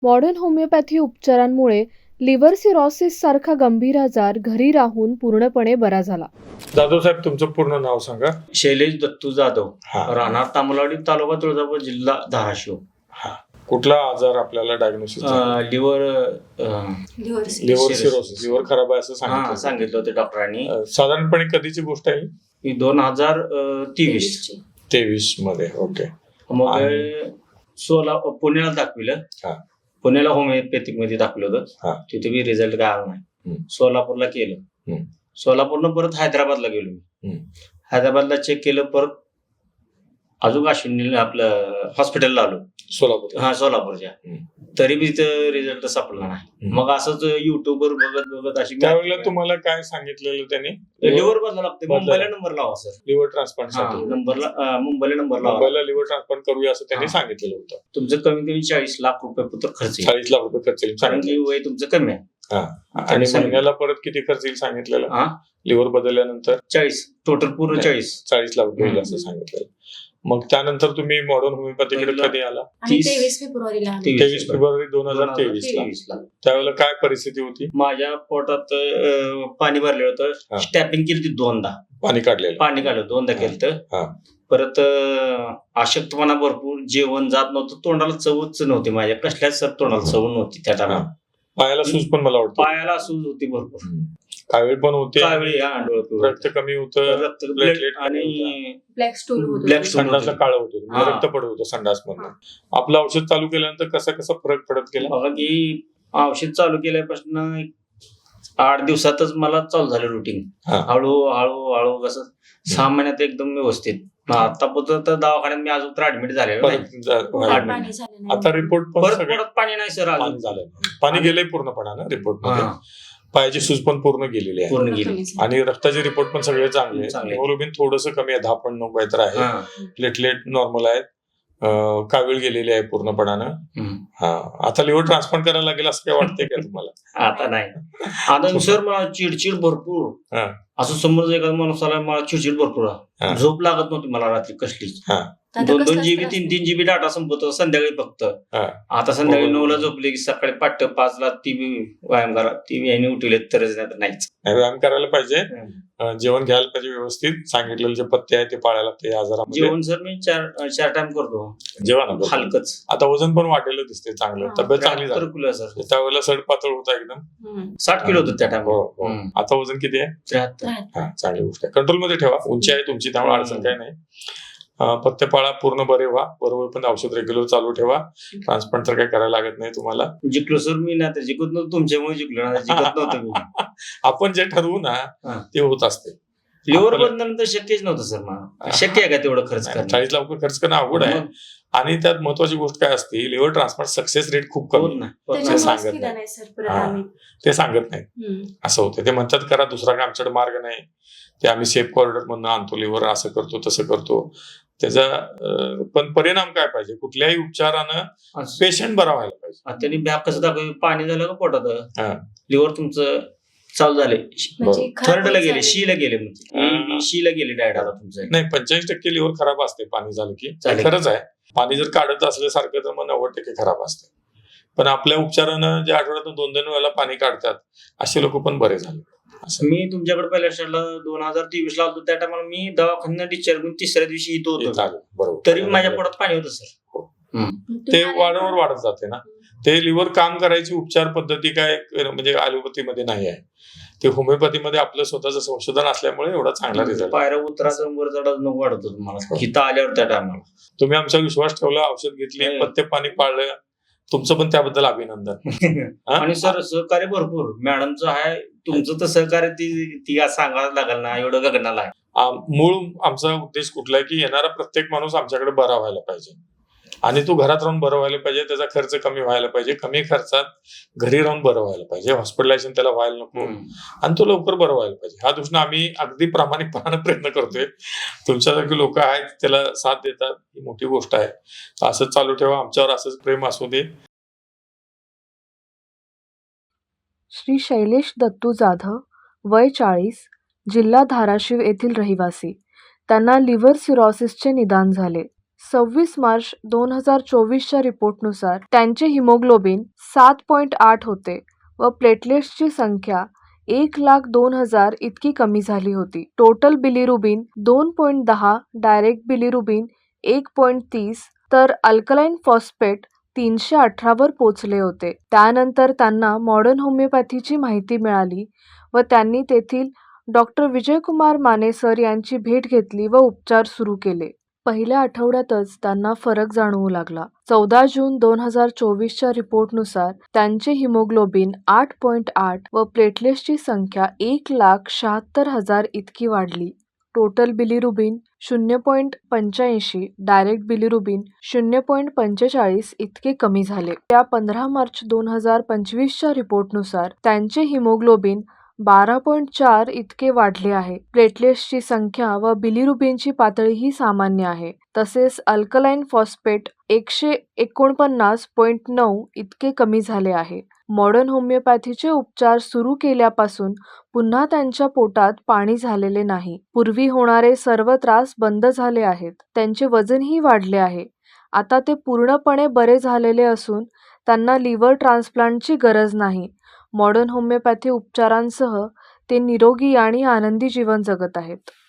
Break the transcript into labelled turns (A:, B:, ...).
A: Modern homeopathy उपचारांमुळे liver cirrhosis सारखा गंभीर आजार घरी राहून पूर्णपणे बरा झाला.
B: जाधव साहेब, तुमचं पूर्ण नाव सांगा.
C: शैलेश दत्तू जाधव,
B: हा.
C: राहणार तामलवाडी, तालुका तुळजापूर, जिल्हा धाराशिव.
B: हा. कुठला आजार आपल्याला डायग्नोसिस?
C: लिव्हर
B: सिरोसिस, लिव्हर खराब आहे असं
C: सांगितलं होतं डॉक्टरांनी.
B: साधारणपणे कधीची गोष्ट आहे?
C: 2023
B: मध्ये. ओके.
C: मग पुण्याला दाखविलं. पुण्याला होमिओपॅथिक मध्ये दाखवलं होतं. तिथे बी रिझल्ट काय आला नाही. सोलापूरला केलं. सोलापूरनं परत हैदराबादला गेलो मी. हैदराबादला चेक केलं, परत अजून अश्विनी आपलं हॉस्पिटलला आलो. सोलापूरच्या. तरी बी रिझल्ट सापडला नाही. मग असंच युट्यूबवर बघत अशी.
B: त्यावेळेला तुम्हाला काय सांगितलेलं त्यांनी?
C: लिव्हर बदलावं लागते, मुंबईला नंबर लावा सर.
B: लिव्हर ट्रान्सप्लांट
C: मुंबईला नंबर लावा.
B: मुंबईला लिव्हर ट्रान्सप्लांट करूया असं त्यांनी सांगितलेलं होतं.
C: तुमचं कमीत कमी 40 लाख रुपये खर्च येईल.
B: 40 लाख रुपये खर्च येईल,
C: कारण की वय तुमचं कमी आहे.
B: आणि महिन्याला परत किती खर्च येईल सांगितलेलं? लिव्हर बदलल्यानंतर
C: 40, टोटल पूर्ण 40
B: लाख रुपये असं सांगितलेलं. मग त्यानंतर तुम्ही मॉडर्न होमिओपॅथीकडे कधी आला?
D: 23 फेब्रुवारीला.
B: 23 फेब्रुवारी 2023 ला. त्यावेळेला काय परिस्थिती होती?
C: माझ्या पोटात पाणी भरलेलं होतं. स्टॅपिंग केली होती 2दा.
B: पाणी काढलं 2दा केलं. परत अशक्तपणा भरपूर, जेवण जात नव्हतं, तोंडाला चवच नव्हती, माझ्या कसल्याच सर तोंडाला चव नव्हती त्या टायमाला. पायाला सूज पण मला वाटतं.
C: पायाला सूज होती भरपूर.
B: कावीळ पण होते.
C: रक्त
B: कमी होतं,
C: आणि
D: ब्लॅक स्टूल होतं.
B: संडासला काळं होतं, रक्त पडत होतं संडास मधून. आपलं औषध चालू केल्यानंतर कसा फरक पडत गेला?
C: बघा की औषध चालू केल्यापासून 8 दिवसातच मला चालू झालं रुटीन. हळूहळू कसं 6 महिन्यात एकदम व्यवस्थित. आतापर्यंत दवाखान्यात मी अजून तर ऍडमिट झालेलो नाही.
B: आता रिपोर्ट
C: परत पाणी नाही सर.
B: पाणी गेलंय पूर्णपणानं रिपोर्ट मध्ये. पायाची सूज पण पूर्ण गेलेली आहे आणि रक्ताचे रिपोर्ट पण सगळे चांगले. हिमोग्लोबिन थोडंसं कमी आहे, 10.9 काहीतरी आहे. प्लेटलेट नॉर्मल आहेत. कावीळ गेलेली आहे पूर्णपणानं. आता लिव्हर ट्रान्सप्लांट करायला लागेल असं काय वाटतंय का तुम्हाला?
C: आता नाही. आता सर मला चिडचिड भरपूर. असं समोर एखादा माणूस आला, मला चिडचिड भरपूर. झोप लागत नव्हती मला रात्री कसलीच. 2 GB 3 GB डाटा संपत संध्याकाळी फक्त. आता संध्याकाळी 9ला झोपले की सकाळी 5:00ला ती व्यायाम करा, ती याने उठवले तरच नाहीच.
B: व्यायाम करायला पाहिजे, जेवण घ्यायला पाहिजे व्यवस्थित. सांगितलेले जे पथ्य आहे ते पाळायला लागते आजारामध्ये.
C: जेवण सर मी 4 टाइम करतो.
B: जेवण
C: हलकच.
B: आता वजन पण वाढलेलं दिसते, चांगलं. तब्येत चांगली झाली. त्यावेळेला सडपातळ होता एकदम.
C: 60 किलो होतं त्या टाइम.
B: आता वजन किती आहे?
C: 73.
B: चांगली गोष्ट आहे. कंट्रोल मध्ये ठेवा. उंची आहे तुमची, त्यामुळे अडचण काही नाही. पथ्य पाळा, पूर्ण बरे व्हा. बरोबर पण औषध रेग्युलर चालू ठेवा. ट्रान्सप्लांट तर काही करायला लागत नाही तुम्हाला.
C: जिंकलो सर मी ना, जिंकत नव्हतं तुमच्यामुळे जिंकलो ना, जिंकत नव्हतं मी.
B: आपण जे ठरवू ना ते होत असते.
C: लिव्हर बदलल्यानंतर शक्यच नव्हतं सर मला. शक्य आहे का तेवढं खर्च करणं?
B: 40 लाख खर्च करणं अवघड आहे. आणि त्यात महत्वाची गोष्ट काय असते, लिव्हर ट्रान्सप्लांट सक्सेस रेट खूप कमी. ते सांगत नाही. असं होतं. ते म्हणतात करा, दुसरा काय आमच्याकडे मार्ग नाही. ते आम्ही सेफ कॉरिडॉर मधून आणतो लिव्हर, असं करतो तसं करतो. त्याचा पण परिणाम काय पाहिजे? कुठल्याही उपचारानं पेशंट बरा व्हायला पाहिजे.
C: त्यांनी बॅग कसं दाखव, पाणी झालं का पोटात, लिव्हर तुमचं चालू झाले, थर्डला गेले, शीला गेले, म्हणजे शीला गेले डायरेक्ट. आता तुमचं
B: नाही, 85% लिव्हर खराब असते पाणी झालं की. खरंच आहे. पाणी जर काढत असल्यासारखं तर मग 90% खराब असते. पण आपल्या उपचारानं जे आठवड्यातून 2-2 वेळेला पाणी काढतात असे लोक पण बरे झाले.
C: मी तुमच्याकडे पहिल्या स्टार्टला 2023 ला होतो. त्या टायमाला मी दवाखान्यात डिस्चार्ज करून 3ऱ्या दिवशी इथं होतो.
B: बरोबर.
C: तरी माझ्या पोटात पाणी होतं सर.
B: ते वारंवार वाढत जाते ना. ते लिव्हर काम करायची उपचार पद्धती काय म्हणजे ॲलोपॅथीमध्ये नाही आहे. ते होमिओपॅथीमध्ये आपलं स्वतःचं संशोधन असल्यामुळे एवढा चांगला रिझल्ट.
C: पायऱ्या उतराचं वर चढायचं नको वाढत होतं मला इथं आल्यावर. त्या टायमाला
B: तुम्ही आमचा विश्वास ठेवला, औषध घेतली, पथ्य पाणी पाळलं. तुमचं पण त्याबद्दल अभिनंदन.
C: आणि सर सहकार्य भरपूर मॅडमचं आहे. तुमचं तर सहकार्य ती सांगायला लागेल ना, एवढं गगनाला आहे.
B: मूळ आमचा उद्देश कुठला आहे की येणारा प्रत्येक माणूस आमच्याकडे बरा व्हायला पाहिजे. आणि तो घरात राहून बरं व्हायला पाहिजे. त्याचा खर्च कमी व्हायला पाहिजे. कमी खर्चात घरी राहून बरं व्हायला पाहिजे. हॉस्पिटलायझेशन त्याला व्हायला नको आणि तो लवकर बरं व्हायला पाहिजे. ह्या दृष्टीने आम्ही अगदी प्रामाणिकपणाने प्रयत्न करतोय. तुमच्यासारखी लोक आहेत, त्याला साथ देतात, ही मोठी गोष्ट आहे. असंच चालू ठेवा. आमच्यावर असंच प्रेम असू दे.
A: श्री शैलेश दत्तू जाधव, वय 40, जिल्हा धाराशिव येथील रहिवासी. त्यांना लिव्हर सिरोसिसचे निदान झाले. 26 मार्च 2024च्या रिपोर्टनुसार त्यांचे हिमोग्लोबिन 7.8 होते व प्लेटलेट्सची संख्या 1,02,000 इतकी कमी झाली होती. टोटल बिलिरुबिन 2.10, डायरेक्ट बिलिरुबिन 1.30 तर अल्कलाइन फॉस्फेट 318 वर पोचले होते. त्यानंतर त्यांना मॉडर्न होमिओपॅथीची माहिती मिळाली व त्यांनी तेथील डॉक्टर विजयकुमार माने सर यांची भेट घेतली व उपचार सुरू केले. पहिल्या आठवड्यातच त्यांना फरक जाणवू लागला. 14 जून 2024च्या रिपोर्टनुसार त्यांचे हिमोग्लोबिन 8.8 व प्लेटलेट्सची संख्या 1,76,000 इतकी वाढली. टोटल बिलिरुबिन 0.85, डायरेक्ट बिलिरुबिन 0.45 इतके कमी झाले. त्या 15 मार्च 2025च्या रिपोर्टनुसार त्यांचे हिमोग्लोबिन 12.4 इतके वाढले आहे. प्लेटलेट्सची संख्या व बिलिरुबिनची पातळीही सामान्य आहे. तसेच अल्कलाइन फॉस्फेट 149.9 इतके कमी झाले आहे. मॉडर्न होमिओपॅथीचे उपचार सुरू केल्यापासून पुन्हा त्यांच्या पोटात पाणी झालेले नाही. पूर्वी होणारे सर्व त्रास बंद झाले आहेत. त्यांचे वजनही वाढले आहे. आता ते पूर्णपणे बरे झालेले असून त्यांना लिव्हर ट्रान्सप्लांटची गरज नाही. मॉडर्न होमिओपॅथी उपचारांसह ते निरोगी आणि आनंदी जीवन जगत आहेत.